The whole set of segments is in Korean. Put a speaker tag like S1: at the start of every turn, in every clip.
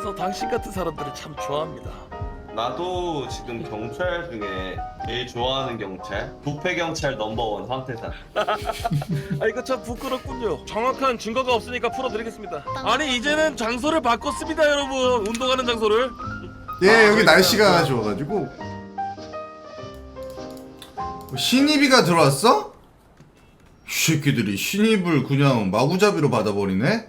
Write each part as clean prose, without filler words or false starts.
S1: 그래서 당신 같은 사람들을 참 좋아합니다.
S2: 나도 지금 경찰 중에 제일 좋아하는 경찰 부패 경찰 넘버원 황태산.
S1: 아 이거 참 부끄럽군요. 정확한 증거가 없으니까 풀어드리겠습니다. 아니 이제는 장소를 바꿨습니다 여러분. 운동하는 장소를.
S3: 예, 여기 날씨가 좋아가지고. 신입이가 들어왔어? 이 새끼들이 신입을 그냥 마구잡이로 받아버리네?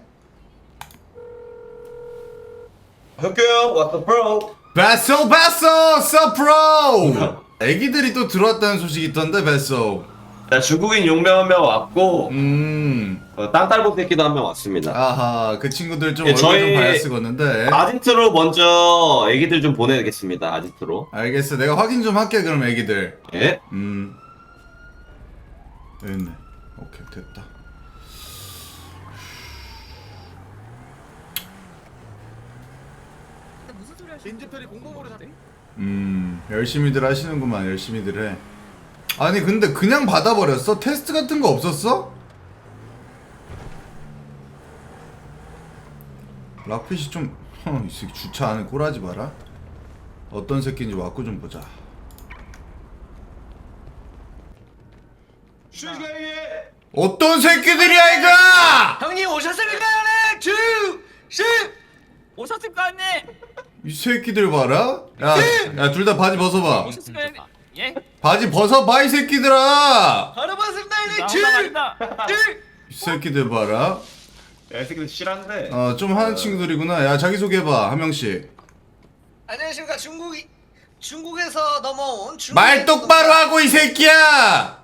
S2: 혁규 형, what the bro?
S3: 봤어 서프로. 애기들이 또 들어왔다는 소식이 있던데 봤어.
S2: 나 중국인 용병 한 명 왔고 땅딸보 새끼도 한 명 왔습니다.
S3: 아하, 그 친구들 좀
S2: 예,
S3: 얼굴
S2: 저희-
S3: 좀 봐야 쓰겠는데.
S2: 아지트로 먼저 애기들 좀 보내겠습니다. 아지트로.
S3: 알겠어, 내가 확인 좀 할게. 그럼 애기들.
S2: 예?
S3: 됐네. 오케이, 됐다.
S1: 인재편이 공범으로 돼?
S3: 열심히들 하시는구만. 열심히들 해. 아니 근데 그냥 받아버렸어? 테스트 같은 거 없었어? 락핏이 좀 이 새끼 주차 안에 꼴하지 마라. 어떤 새끼인지 왔고 좀 보자. 어떤 새끼들이야 이거!
S4: 형님 오셨습니까 형님?
S5: 오셨습니까 형님?
S3: 이 새끼들 봐라. 야 둘 다 바지 벗어봐.
S5: 오셨습니까 형님? 예?
S3: 바지 벗어봐 이 새끼들아.
S4: 바로 봤습니다
S5: 나
S4: 형님.
S5: 혼나갑니다.
S3: 이 새끼들 봐라.
S2: 야, 이 새끼들 실한데.
S3: 좀 하는 친구들이구나. 야 자기소개해봐 한 명씩.
S4: 안녕하십니까 중국에서 넘어온
S3: 말 똑바로 하고 이 새끼야.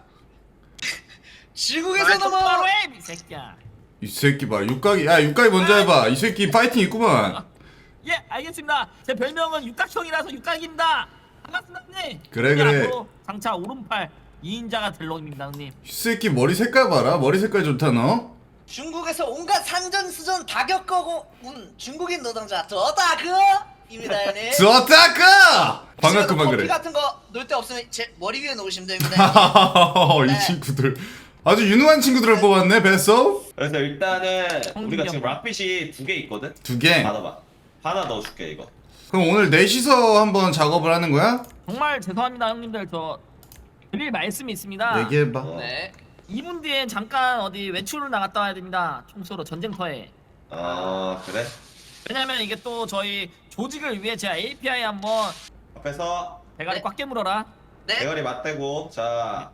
S4: 중국에서
S5: 말
S4: 넘어온
S5: 똑바로 해, 이 새끼야.
S3: 이 새끼 봐. 육각이. 야 육각이 먼저 해봐. 이 새끼 파이팅 있구만.
S5: 예, 알겠습니다. 제 별명은 육각형이라서 육각입니다. 반갑습니다, 형님.
S3: 그래,
S5: 형님,
S3: 그래.
S5: 앞으로 장차 오른팔 2인자가 될 놈입니다, 형님.
S3: 이 새끼 머리 색깔 봐라. 머리 색깔 좋다 너.
S4: 중국에서 온갖 산전수전 다 겪어온 중국인 노동자 더다그입니다 형님.
S3: 좋다크. 반갑구만
S4: 커피
S3: 그래.
S4: 같은 거 놓을 데 없으면 제 머리 위에 놓으시면 됩니다 형님.
S3: 이 친구들 아주 유능한 친구들을 뽑았네. 뱃소.
S2: 그래서 일단은 우리가 지금
S5: 형님.
S2: 락핏이 2개 있거든.
S3: 두 개.
S2: 받아봐. 하나 넣어줄게 이거.
S3: 그럼 오늘 넷이서 한번 작업을 하는 거야?
S5: 정말 죄송합니다, 형님들. 저 드릴 말씀이 있습니다.
S3: 얘기해봐.
S4: 네.
S5: 2분 뒤에 잠깐 어디 외출을 나갔다 와야 됩니다. 총소로 전쟁터에.
S2: 아 그래?
S5: 왜냐면 이게 또 저희 조직을 위해 제가 API 한번
S2: 앞에서
S5: 대가리
S4: 네.
S5: 꽉 깨물어라.
S4: 네.
S2: 대가리 맞대고 자.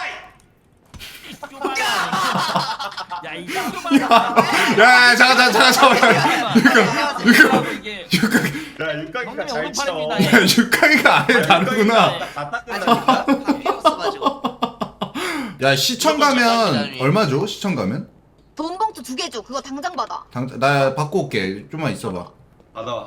S5: 야, 이 쌍두마다.
S3: 야 잠깐.
S5: 이게
S2: 야 육각이가
S5: 형님이
S2: 잘 쳐.
S5: 오른팔입니다.
S3: 야 육각이가 아예 다르구나.
S2: 다
S4: 아,
S2: 닦는다니까.
S4: 다 필요 없어가지고.
S3: 야 시청 가면
S4: 이거
S3: 얼마 줘? 시청 가면?
S6: 돈 봉투 2개 줘. 그거 당장 받아.
S3: 나 받고 올게. 좀만 있어봐.
S2: 받아와.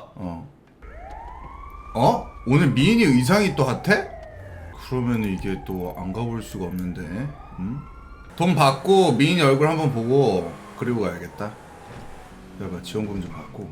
S3: 오늘 미인이 의상이 또 핫해? 그러면 이게 또 안 가볼 수가 없는데. 돈 받고 미인이 얼굴 한번 보고 그리고 가야겠다. 내가 지원금 좀 받고.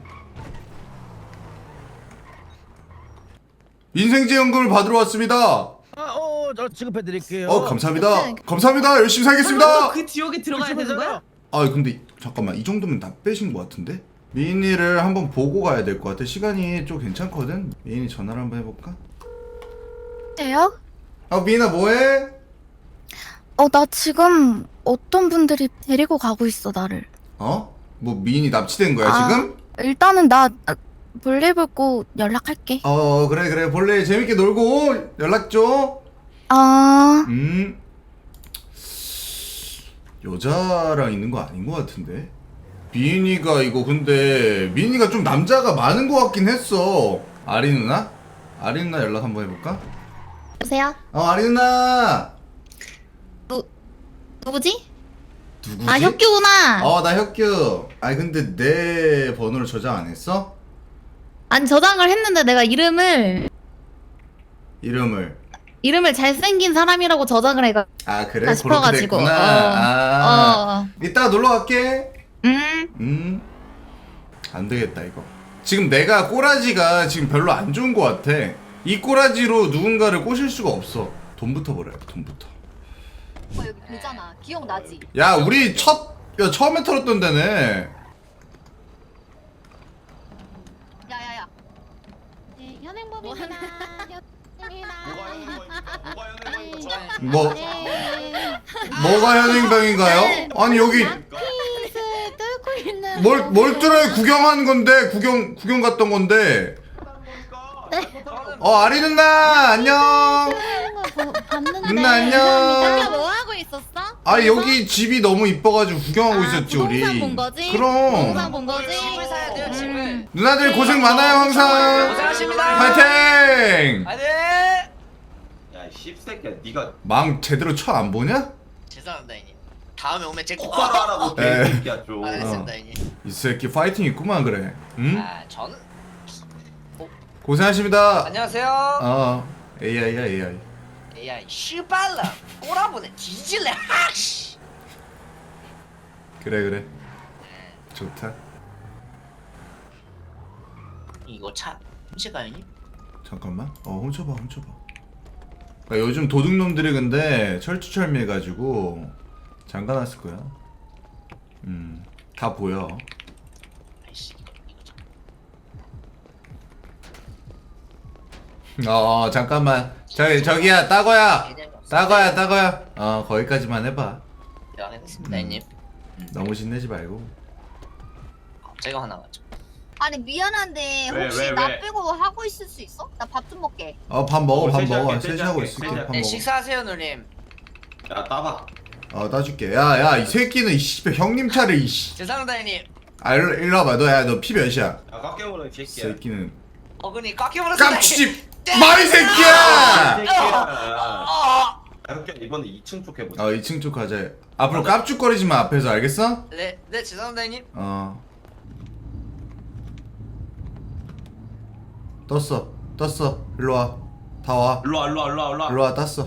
S3: 인생지원금을 받으러 왔습니다.
S7: 저 지급해드릴게요.
S3: 감사합니다. 감사합니다. 열심히 살겠습니다.
S7: 그 지역에 들어가야 되는 거야?
S3: 아 근데 잠깐만, 이 정도면 다 빼신 것 같은데? 미인이를 한번 보고 가야 될 것 같아. 시간이 좀 괜찮거든. 미인이 전화를 한번 해볼까?
S6: 네요?
S3: 미인아 뭐해?
S6: 나 지금 어떤 분들이 데리고 가고 있어, 나를.
S3: 뭐 미인이 납치된 거야 지금?
S6: 일단은 나 볼일 보고 연락할게.
S3: 그래 볼래 재밌게 놀고 연락 줘. 여자랑 있는 거 아닌 것 같은데? 미인이가 이거 근데 미인이가 좀 남자가 많은 것 같긴 했어. 아리 누나? 아리 누나 연락 한번 해볼까?
S6: 여보세요?
S3: 아리 누나.
S6: 누구지?
S3: 누구지?
S6: 혁규구나.
S3: 나 혁규. 아니 근데 내 번호를 저장 안 했어?
S6: 아니, 저장을 했는데 내가 이름을 잘생긴 사람이라고 저장을 해가.
S3: 그래?
S6: 나 싶어가지고.
S3: 그렇게 됐구나. 이따가 놀러 갈게. 안 되겠다 이거. 지금 내가 꼬라지가 지금 별로 안 좋은 것 같아. 이 꼬라지로 누군가를 꼬실 수가 없어. 돈부터 벌어야 돼. 돈부터.
S6: 여기 보잖아. 기억나지?
S3: 야 우리 처음에 털었던 데네.
S6: 야야야.
S8: 네, 현행범입니다.
S2: 뭐가 현행범입니까?
S3: 뭐
S8: 네.
S3: 뭐가 현행병인가요? 아니 여기
S8: 핏을 뚫고 있는.
S3: 뭘 뚫어요? 구경하는 건데 구경 갔던 건데. 아리 누나 안녕.
S8: 봤는데.
S3: 누나 안녕.
S8: 아까 뭐 하고 있었어?
S3: 아 여기 집이 너무 이뻐가지고 구경하고
S8: 아,
S3: 있었지 우리.
S8: 부동산 본 거지?
S3: 그럼
S8: 부동산 본 거지?
S4: 집을 사야 돼요, 집을.
S3: 누나들 고생 많아요 항상.
S4: 고생하십니다.
S3: 파이팅.
S4: 아네.
S2: 야, 이 씹새끼야. 네가
S3: 망 제대로 쳐 안 보냐?
S4: 죄송합니다, 형님. 다음에 오면 제
S2: 똑바로 하라고
S3: 에.
S2: 개새끼야 좀.
S4: 알겠습니다, 형님.
S3: 이 새끼 파이팅 있구만 그래. 응?
S4: 아, 저는
S3: 고생하십니다.
S4: 안녕하세요.
S3: AI야 AI.
S4: AI 씨발라 꼬라보네 뒤질래. 하씨.
S3: 그래 좋다.
S4: 이거 차 훔칠까요, 형님?
S3: 잠깐만. 훔쳐봐. 그러니까 요즘 도둑놈들이 근데 철두철미해가지고 잠가놨을 거야. 다 보여.
S4: 아이씨, 이거 참.
S3: 잠깐만. 저기야 따거야. 거기까지만 해봐.
S4: 네, 알겠습니다, 형님.
S3: 너무 신내지 말고.
S4: 제가 하나 맞죠.
S6: 아니 미안한데 혹시
S2: 왜?
S6: 나 빼고 하고 있을 수 있어? 나 밥 좀 먹게.
S3: 밥 먹어.
S2: 셋이 할게,
S3: 셋이
S2: 셋이
S3: 하고
S2: 할게,
S3: 있을게.
S2: 셋이
S3: 밥
S4: 네,
S3: 먹어.
S4: 식사하세요, 누님.
S2: 야, 따봐.
S3: 따줄게. 야 이 새끼는 이씨 형님 차를 이씨.
S4: 죄송합니다, 형님.
S3: 일로 와봐. 너 피 몇이야?
S2: 야, 깎여버려 이
S3: 이
S2: 새끼야.
S3: 새끼는
S4: 어근이 깎여버렸습니다.
S3: 깜치집 마이 새끼야.
S2: 새끼야. 깎여 이번에 2층 쪽 해보자.
S3: 2층 쪽 가자. 앞으로 깝죽거리지 마 앞에서 알겠어?
S4: 네, 죄송합니다, 형님.
S3: 떴어. 일로 와. 다 와.
S2: 일로 와.
S3: 땄어.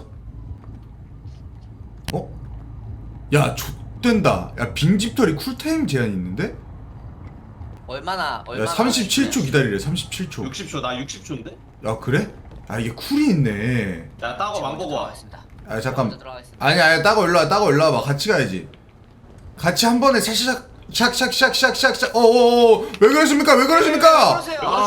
S3: 야, 좆된다. 야, 빙집털이 쿨타임 제한이 있는데?
S4: 얼마나?
S3: 야, 37초 기다리래. 37초.
S2: 60초 나 60초인데?
S3: 야, 그래? 아, 이게 쿨이 있네.
S2: 야, 따고 망보고 와.
S3: 아, 잠깐.
S4: 먼저 들어가겠습니다.
S3: 아니, 따고 일로 와봐. 같이 가야지. 같이 한 번에 샥샥. 왜 그러십니까? 왜 그러십니까?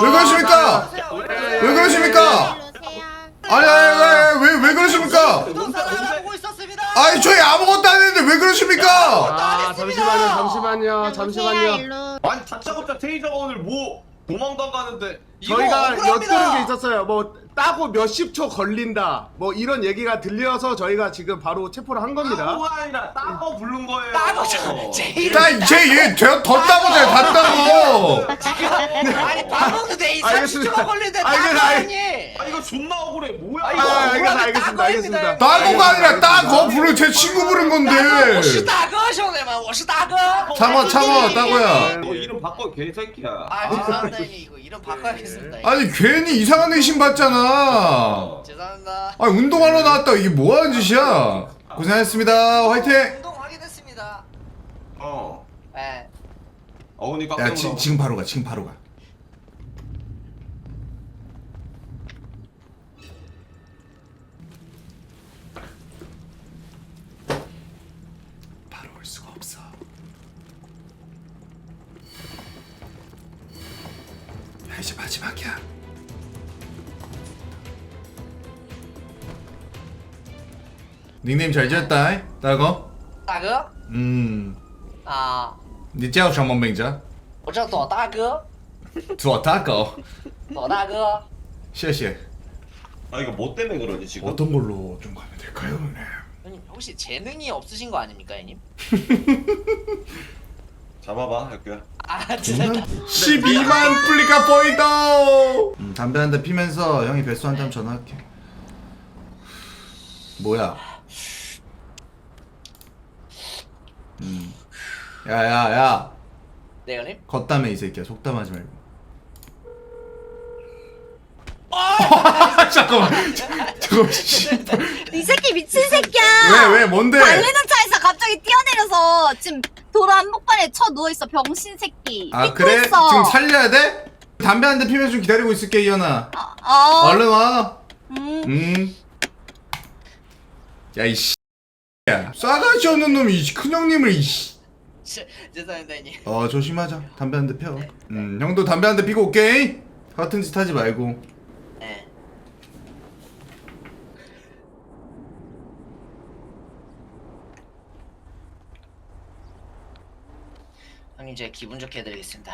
S3: 아니, 왜 그러십니까?
S4: 부동산 알아보고 있었습니다.
S3: 아니, 저희 아무것도 안 했는데 왜 그러십니까?
S8: 잠시만요. 일로.
S2: 아니 다짜고짜 테이저가 오늘 뭐 도망도 안 가는데
S9: 저희가
S4: 억울합니다.
S9: 엿들은 게 있었어요. 뭐 따고 몇십 초 걸린다. 뭐 이런 얘기가 들려서 저희가 지금 바로 체포를 한 겁니다.
S2: 따고가 아니라 따고 부른 거예요.
S4: 따고 제일
S3: 더 따고 다 따고.
S4: 아니 방어도 돼.
S9: 알겠습니다.
S4: 30초가 걸리는데
S9: 알겠습니다.
S4: 따고니.
S2: 아 이거 존나 억울해. 뭐야?
S9: 알겠습니다.
S3: 따고가 아니라 따고 부른 제 친구 부른 건데.
S4: 我是大哥兄弟们我是大哥
S3: 참아 따고야.
S2: 너 이름 바꿔 개새끼야.
S4: 아 죄송합니다 형님 이거 이름 바꿔야겠습니다
S3: 아니 괜히 이상한 의심 받잖아.
S4: 죄송합니다
S3: 아니 운동하러 나왔다 이게 뭐하는 짓이야. 고생하셨습니다. 화이팅.
S4: 운동 확인했습니다 네
S2: 어머니
S3: 야
S2: 깎여.
S3: 지금 바로 가. 바로 올 수가 없어. 야 이제 마지막이야. 닉네임 잘 지었다. 따고.
S4: 大哥啊
S3: 你叫什么名字？
S4: 我叫左大哥
S3: 左大狗。
S4: 左大哥
S3: 谢谢。
S2: 아 이거 뭐 때문에 그러지 지금?
S3: 어떤 걸로 좀 가면 될까요, 형님?
S4: 형님 혹시 재능이 없으신 거 아닙니까 형님?
S2: 잡아봐 학교야.
S4: 아 죄송합니다
S3: 12만 플리카 포인트. 담배 한 대 피면서 형이 배수 한 잔 전화할게. 뭐야? 야야야.
S4: 네 형님
S3: 걷다며 이 새끼야. 속담하지 말고. 잠깐만.
S6: 이 새끼 미친 새끼야.
S3: 왜 뭔데?
S6: 달리는 차에서 갑자기 뛰어내려서 지금 도로 한복판에 쳐 누워 있어. 병신 새끼.
S3: 아
S6: 믿고
S3: 그래?
S6: 있어.
S3: 지금 살려야 돼? 담배 한 대 피면서 좀 기다리고 있을게 이현아. 얼른 와. 야 이씨. 야 싸가지 없는 놈이 이 큰형님을 이씨.
S4: 죄송합니다 형님
S3: 조심하자. 담배 한 대 펴. 형도 담배 한 대 피고 올게. 같은 짓 하지 말고.
S4: 형님 제가 기분 좋게 해드리겠습니다.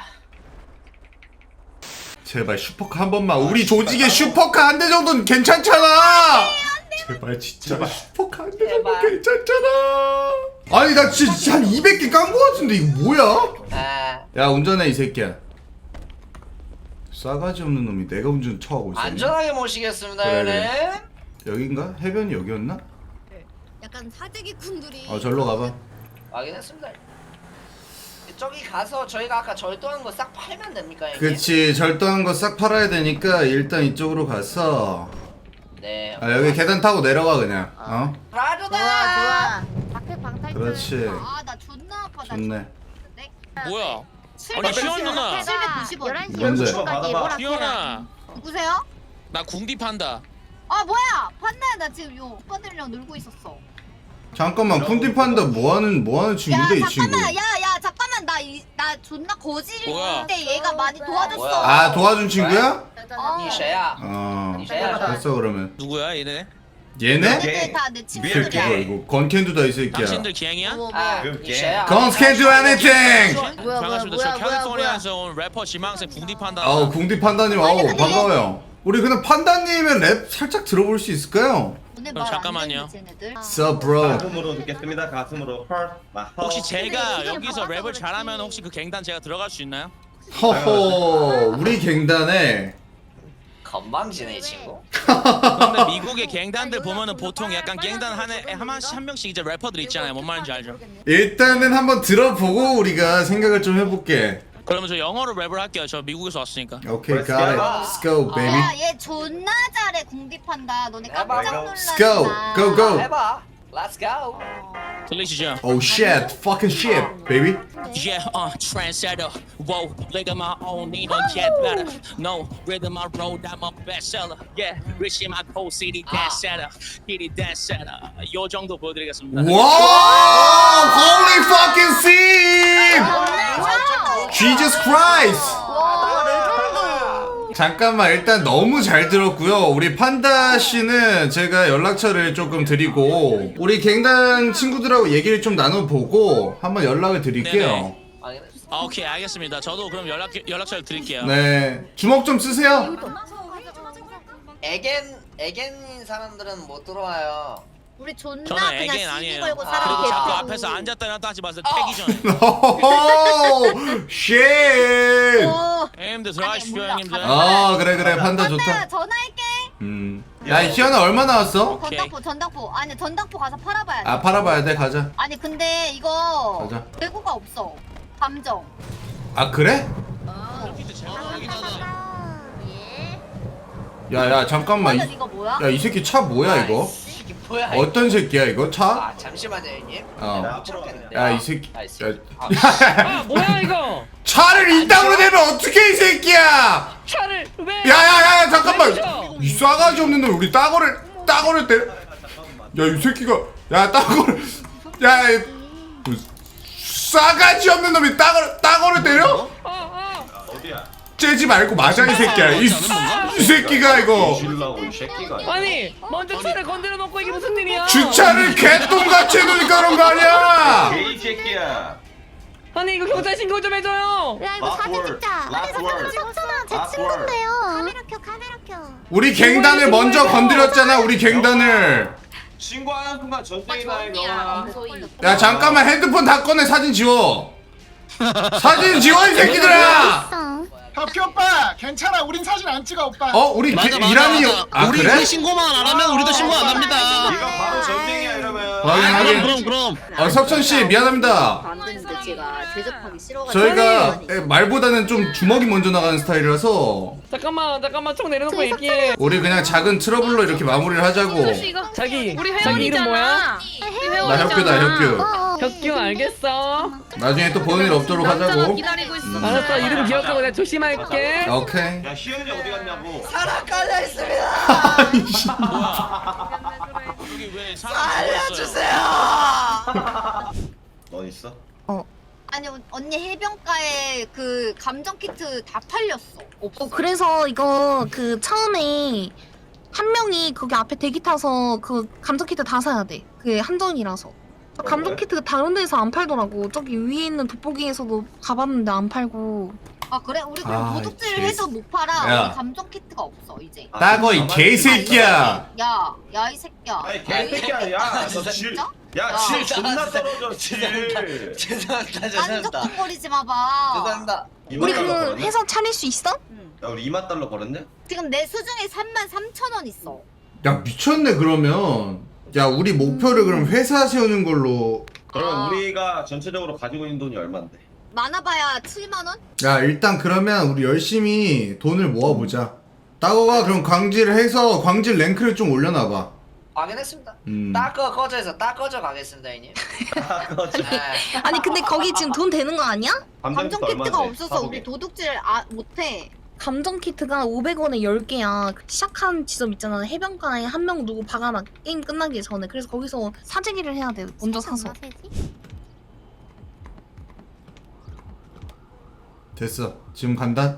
S3: 제발 슈퍼카 한 번만. 우리 조직에 슈퍼카 한 대 정도는 괜찮잖아. 제발 진짜 슈퍼카 한 대 정도
S4: 제발.
S3: 괜찮잖아. 아니 나 진짜 한 200개 깐 거 같은데 이거 뭐야?
S4: 아,
S3: 야 운전해 이 새끼야. 싸가지 없는 놈이 내가 운전 처하고 있어.
S4: 안전하게 모시겠습니다,
S3: 그래,
S4: 형님.
S3: 여긴가? 해변이 여기였나?
S6: 약간 사재기꾼들이.
S3: 절로 가봐.
S4: 확인했습니다. 저기 가서 저희가 아까 절도한 거 싹 팔면 됩니까, 형님?
S3: 그치 절도한 거 싹 팔아야 되니까 일단 이쪽으로 가서
S4: 네.
S3: 여기 계단 타고 내려가 그냥. 어?
S4: 라조다.
S8: 밖에 방탈출.
S3: 그렇지.
S6: 아나 존나 아파. 나
S3: 좋네.
S1: 뭐야?
S6: 칠백
S1: 아니, 시원 누나.
S6: 790원.
S8: 11시
S3: 뭔데?
S8: 50분까지 뭐라
S1: 시원아,
S6: 누구세요?
S1: 나 궁디 판다.
S6: 아 뭐야? 판다야 나 지금 요 오빠들이랑 놀고 있었어.
S3: 잠깐만 쿤디 판다 뭐하는 친구인데 이 친구.
S6: 잠깐만 야 잠깐만 나 존나
S1: 뭐야?
S6: 거질인데 얘가 많이 도와줬어.
S4: 뭐야?
S3: 아 도와준 친구야?
S6: 어.
S4: 이샤야.
S3: 어
S4: 이샤야.
S3: 됐어 그러면.
S1: 누구야 얘네?
S3: 얘네?
S6: 얘네들 다내
S3: 이
S6: 친구들이야.
S3: 새끼가 이거 건캔두다 이 새끼야.
S1: 당신들 기행이야?
S4: 아, 이샤야.
S3: Guns can't do anything.
S1: 반갑습니다. 저 캘리포니아에서 온 래퍼 지망생 궁디 판다.
S3: 아우 궁디 판다님 아우 반가워요. 우리 그냥 판다님의 랩 살짝 들어볼 수 있을까요?
S6: 오늘
S1: 그럼
S6: 말안
S1: 잠깐만요.
S6: 듣는 쟤네들.
S3: Sup bro.
S2: 가슴으로 듣겠습니다. 가슴으로 헐.
S1: 혹시
S6: 근데
S1: 제가
S6: 이게
S1: 여기서
S6: 바빠서
S1: 랩을
S6: 그렇지.
S1: 잘하면 혹시 그 갱단 제가 들어갈 수 있나요?
S3: 허허 우리 갱단에
S4: 건방지네 이 친구.
S1: 근데 미국의 갱단들 보면은 보통 약간 갱단 한 명씩 이제 래퍼들 있잖아요. 뭔 말인지 알죠?
S3: 일단은 한번 들어보고 우리가 생각을 좀 해볼게.
S1: 그러면 저 영어로 랩을 할게요. 저 미국에서 왔으니까.
S3: 오케이 got it. Let's go baby.
S6: 야얘 존나 잘해 궁디판다. 너네 깜짝 놀랐다.
S3: Let's go. Go go.
S4: 해봐. Let's go.
S1: 들리시죠?
S3: Oh shit. Fucking shit baby.
S1: Yeah, trendsetter. Whoa, look at my own, need to get better. No, rhythm I wrote, I'm a bestseller. Yeah, rich in my cold city dance setter. Kitty dance setter. 요 정도 보여드리겠습니다.
S3: Wow! Holy fucking shit! Jesus Christ! 잠깐만 일단 너무 잘 들었고요. 우리 판다 씨는 제가 연락처를 조금 드리고 우리 갱단 친구들하고 얘기를 좀 나눠보고 한번 연락을 드릴게요.
S1: 네네.
S4: 확인했습니다.
S1: 아, 오케이, 알겠습니다. 저도 그럼 연락처를 드릴게요.
S3: 네, 주먹 좀 쓰세요.
S4: 애견인 사람들은 못 들어와요.
S6: 우리 존나
S1: 저는
S6: 그냥
S1: 애견
S6: 시비
S1: 아니에요.
S6: 걸고
S4: 아,
S6: 살아.
S1: 그리고 자꾸
S4: 아.
S1: 앞에서 앉았다 일어났다 하지 마세요. 패기 전에.
S3: 호호! 쉣!
S1: 형님들 들어가십시오,
S6: 몰라.
S1: 형님들.
S3: 아 그래 판다 좋다.
S6: 판다야 전화할게.
S3: 야 희연아 얼마 나왔어?
S1: 오케이.
S6: 전당포. 아니 전당포 가서 팔아봐야 돼.
S3: 아 팔아봐야 돼 가자.
S6: 아니 근데 이거
S3: 가자.
S6: 재고가 없어. 감정.
S3: 아 그래? 야야 잠깐만.
S6: 완전 이거 뭐야?
S3: 야 이 새끼 차 뭐야 이거?
S4: 이게 뭐야? 이거?
S3: 어떤 새끼야 이거 차?
S4: 아 잠시만요 형님.
S3: 어.
S4: 미쳤겠는데.
S3: 야 이 새끼.
S4: 아, 이
S3: 야,
S4: 새끼.
S5: 아 뭐야 이거?
S3: 차를 이 땅으로 내면 어떻게 이 새끼야?
S5: 차를 왜?
S3: 야야야 잠깐만.
S5: 왜
S3: 이 싸가지 없는 놈 우리 따거를 때려. 야 이 새끼가 야 따거를 야 이- 그 싸가지 없는 놈이 따거를 때려?
S2: 어디야?
S3: 째지 말고 맞아 이 새끼야. 이 새끼가 이거
S2: 질라고 이 새끼가.
S5: 아니 먼저 차를 건드려 놓고 이게 무슨 일이야?
S3: 주차를 개똥같이 해놓으니까 그런 거 아니야?
S2: 개이 새끼야.
S5: 아니 이거 경찰 신고 좀 해줘요.
S8: 야 이거 사진 찍자.
S2: Last word.
S8: 쳤잖아. 제
S2: Last word.
S8: 친구인데요. 카메라 켜.
S3: 우리 갱단을 먼저 건드렸잖아 우리 갱단을.
S2: 신고하는 순간 전쟁이 나요 영아.
S3: 야 잠깐만 핸드폰 다 꺼내 사진 지워. 사진 지워 이 새끼들아.
S10: 덕기 오빠 괜찮아 우린 사진 안 찍어 오빠.
S3: 어 우리 이란이 아 그래?
S7: 신고만 안 하면 우리도 신고 안 합니다.
S2: 이거 바로 전쟁이야 이러면.
S3: 확인.
S7: 그럼.
S3: 석천 씨 미안합니다.
S6: 안 되는데 제가 제접하기 싫어가지고.
S3: 저희가 말보다는 좀 주먹이 먼저 나가는 스타일이라서
S5: 잠깐만 총 내려놓고 얘기해.
S3: 우리 그냥 작은 트러블로 이렇게 마무리를 하자고.
S5: 자기 이름 뭐야?
S3: 나 혁규다 혁규.
S5: 혁규 알겠어.
S3: 나중에 또 보는 일 없도록 하자고.
S5: 알았어 이름 기억하고 내가 조심할게.
S3: 오케이.
S2: 야 희연이 어디 갔냐고.
S4: 사람 깔려 있습니다.
S1: 여기 왜 사람 죽었어요?
S4: 알려주세요.
S2: 넌 있어?
S6: 아니 언니 해변가에 그 감정 키트 다 팔렸어. 없어.
S8: 그래서 이거 그 처음에 한 명이 거기 앞에 대기 타서 그 감정 키트 다 사야 돼. 그게 한정이라서. 감정 키트가 다른 데서 안 팔더라고. 저기 위에 있는 돋보기에서도 가봤는데 안 팔고.
S6: 아 그래? 우리 그럼
S3: 아,
S6: 도둑질
S3: 이
S6: 해도 못 팔아.
S3: 야.
S6: 우리 감정 키트가 없어 이제.
S3: 따거 이 개새끼야.
S6: 야 이 새끼야.
S2: 아니 개새끼야 야너질
S6: 진짜?
S2: 야, 질 존나 떨어져 질.
S4: 죄송합니다.
S6: 깐족거리지 마봐.
S4: 죄송합니다.
S8: 우리 그 회사 차릴 수 있어?
S2: 야 우리 2만 달러 벌었냐?
S6: 지금 내 수중에 33,000원 있어.
S3: 야 미쳤네 그러면. 야 우리 목표를 그럼 회사 세우는 걸로.
S2: 그러면
S6: 아.
S2: 우리가 전체적으로 가지고 있는 돈이 얼마인데?
S6: 많아봐야 7만 원?
S3: 야 일단 그러면 우리 열심히 돈을 모아보자. 따거가 그럼 광질 해서 광질 랭크를 좀 올려놔봐.
S4: 확인했습니다.
S3: 음.
S4: 딱 꺼져서 딱 꺼져 가겠습니다, 형님. 네.
S8: 아니 근데 거기 지금 돈 되는 거 아니야?
S6: 감정 키트가 없어서
S2: 사복에.
S6: 우리 도둑질 못해.
S8: 감정 키트가 500원에 10개야. 시작한 지점 있잖아. 해변가에 한 명 누구 박아놔. 게임 끝나기 전에. 그래서 거기서 사재기를 해야 돼. 먼저 사서.
S3: 됐어. 지금 간다.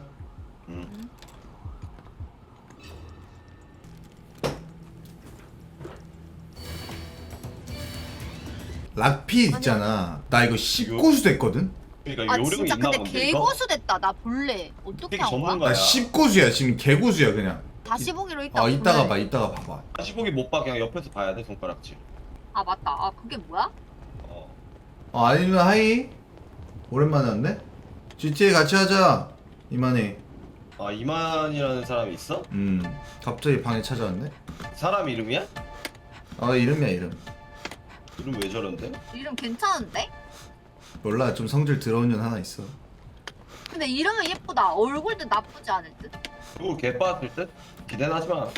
S3: 락피 있잖아. 나 이거 10고수 됐거든?
S2: 그러니까
S6: 아
S2: 요령이
S6: 진짜
S2: 있나
S6: 근데
S2: 본데 이거?
S6: 개고수 됐다. 나 볼래. 어떻게
S2: 되게
S6: 한 거야?
S2: 전문가야.
S3: 나 10고수야. 지금 개고수야 그냥.
S6: 다시 보기로 이따
S3: 아 이따가
S6: 볼래.
S3: 봐. 이따가 봐봐.
S2: 시보기 못 봐. 그냥 옆에서 봐야 돼 손가락질.
S6: 아 맞다. 아 그게 뭐야?
S3: 아니면 하이. 오랜만에 왔네. GTA 같이 하자. 이만해.
S2: 아 이만이라는 사람이 있어?
S3: 갑자기 방에 찾아왔네.
S2: 사람 이름이야?
S3: 아 이름이야 이름.
S2: 이름 왜 저런데?
S6: 이름 괜찮은데?
S3: 몰라 좀 성질 더러운 년 하나 있어.
S6: 근데 이름은 예쁘다. 얼굴도 나쁘지 않을 듯.
S2: 그거 개빠았을 듯? 기대는 하지 마.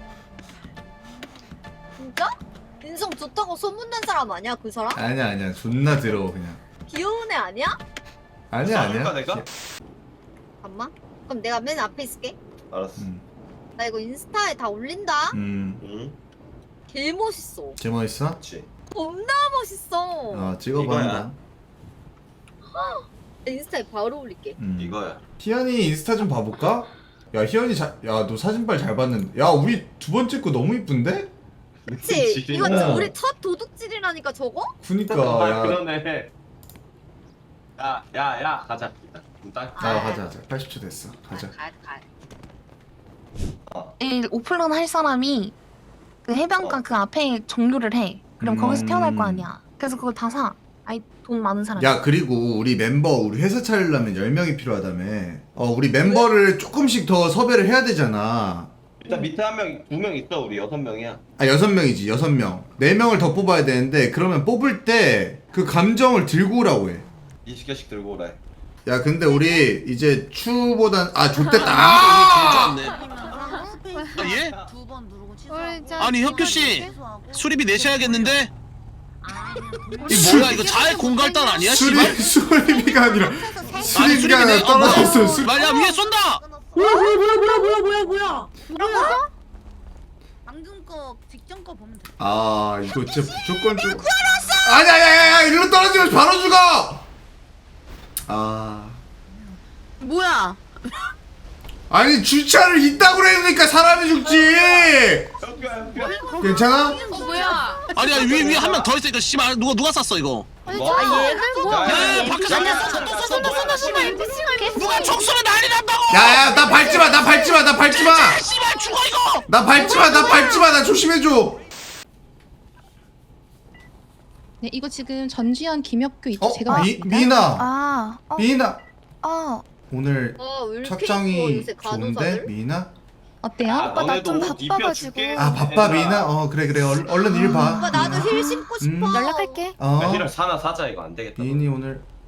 S6: 진짜? 인성 좋다고 소문난 사람 아니야 그 사람?
S3: 아니야 존나 더러워 그냥.
S6: 귀여운 애 아니야?
S3: 아니야
S2: 싸울까,
S3: 아니야.
S2: 내가?
S6: 잠깐만. 그럼 내가 맨 앞에 있을게.
S2: 알았어.
S6: 나 이거 인스타에 다 올린다.
S2: 응.
S6: 개 멋있어.
S3: 개 멋있어?
S2: 그렇지.
S6: 겁나 멋있어.
S3: 찍어봐
S2: 이거야.
S3: 한다.
S6: 인스타에 바로 올릴게.
S2: 이거야.
S3: 희연이 인스타 좀 봐볼까? 야 희연이 야너 사진빨 잘 봤는데. 야 우리 두 번째 거 너무 이쁜데?
S6: 그치? 이거
S3: 어.
S6: 우리 첫 도둑질이라니까 저거?
S3: 그니까
S2: 아
S3: 야.
S2: 그러네. 야 가자. 일단 딱.
S3: 가자 80초 됐어. 가자.
S6: 가.
S8: 내일 오픈런 할 사람이 그 해변가 그 앞에 종료를 해. 그럼 거기서 태어날 거 아니야. 그래서 그걸 다 사. 아이 돈 많은 사람.
S3: 야 그리고 우리 멤버 우리 회사 차리려면 10명이 필요하다며. 우리 멤버를 조금씩 더 섭외를 해야 되잖아.
S2: 일단 밑에 한 명, 2명 있어. 우리 6명이야.
S3: 아 6명이지 6명. 4명을 더 뽑아야 되는데 그러면 뽑을 때 그 감정을 들고 오라고 해.
S2: 20개씩 들고 오래.
S3: 야 근데 우리 이제 추보단 좋댔다.
S7: 아! 예? 아니 혁규 씨 수리비 내셔야겠는데? 이 뭐야 이거 자해 공갈단 아니야 씨발?
S3: 수리비가 아니라
S7: 아니
S3: 수리비가
S7: 수리비
S3: 아니라
S7: 내
S3: 떨어졌어.
S7: 말야 위에 쏜다!
S8: 방금 거 직전 거 보면 돼.
S3: 이거 진짜 무조건 좀. 아니야 일로 떨어지면 바로 죽어.
S8: 뭐야?
S3: 아니 주차를 이따구 그러니까 사람이 죽지. 괜찮아?
S6: 뭐야?
S7: 아니 위에 한 명 더 있으니까 씨발 누가 쐈어 이거? 야 밖에서 누가 총 쏘면 난리 난다고!
S3: 야야 나 밟지마 나 밟지마.
S7: 씨발 죽어 이거!
S3: 나 밟지마 나 조심해줘.
S11: 네, 이거 지금 전지현 김혁규 있죠? 제가 봤습니다.
S3: 미나 미나 오늘
S6: 왜 이렇게
S3: 착장이
S6: 이뻐, 요새
S3: 좋은데
S6: 간호사들?
S3: 미나?
S11: 어때요?
S2: 오빠 나 좀 바빠가지고.
S3: 바빠 미나? 그래 얼른 일 봐.
S6: 오빠 나도 힐 신고 싶어.
S11: 연락할게.
S2: 야, 이랑 사나 사자 이거 안 되겠다.
S3: 미인이 오늘